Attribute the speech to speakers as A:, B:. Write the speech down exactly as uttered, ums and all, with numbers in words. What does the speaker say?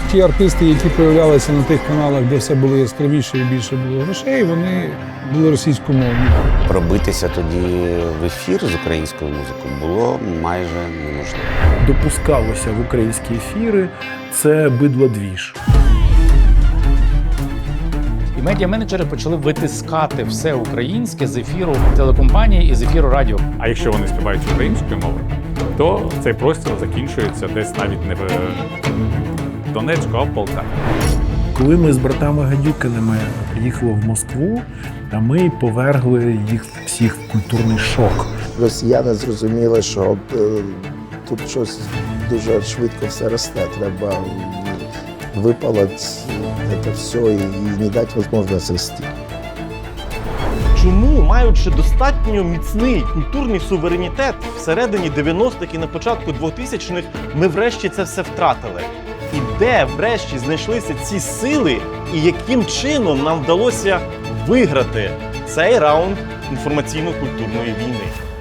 A: Ті артисти, які появлялися на тих каналах, де все було яскравіше і більше було грошей, вони були російськомовні.
B: Пробитися тоді в ефір з українською музикою було майже неможливо.
C: Допускалося в українські ефіри – це бидлодвіж.
D: І медіаменеджери почали витискати все українське з ефіру телекомпанії і з ефіру радіо.
E: А якщо вони співають українською мовою, то цей простір закінчується десь навіть не в Донецьку, а в Полтаві.
C: Коли ми з братами Гадюкиними приїхали в Москву, ми повергли їх всіх в культурний шок.
F: Росіяни зрозуміли, що е, тут щось дуже швидко все росте. Треба випалити це все і не дати можливість рости.
G: Чому, маючи достатньо міцний культурний суверенітет всередині дев'яностих і на початку двохтисячних, ми врешті це все втратили? І де врешті знайшлися ці сили, і яким чином нам вдалося виграти цей раунд інформаційно-культурної війни?